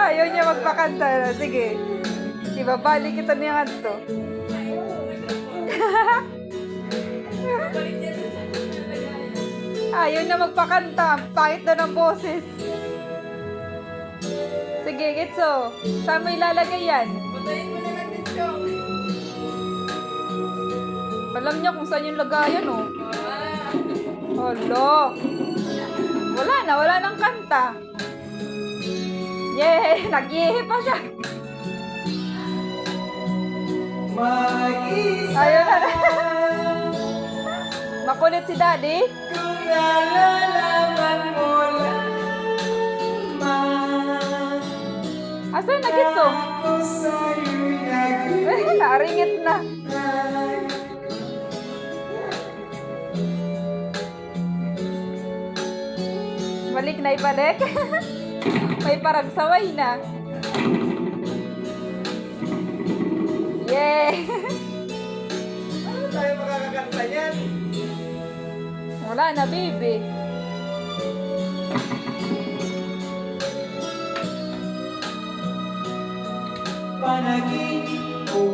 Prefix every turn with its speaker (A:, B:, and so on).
A: Ayaw niya magpakanta. Sige. Ibabalik kita niya to. Ayaw na magpakanta. Pangit daw ng boses. Sige, Gitso. Saan mo ilalagay yan?
B: Patayin mo na lang din, Chong.
A: Alam niya kung saan yung lagayan, oh.
B: Ah.
A: Hala. Wala nang kanta. Yay! Nag-yehe pa siya.
C: Mag-isa
A: Ayun na. Makulit si Daddy.
C: kung nalalaman mo lamang
A: Asan na, Gitso?
C: ako sa'yo'y
A: Naringit na.
C: naghihintay.
A: Balik na ibalik. May parang saway na. Yay!
C: Ano tayo makakakanta yan?
A: Wala na, baby.
C: Panaginip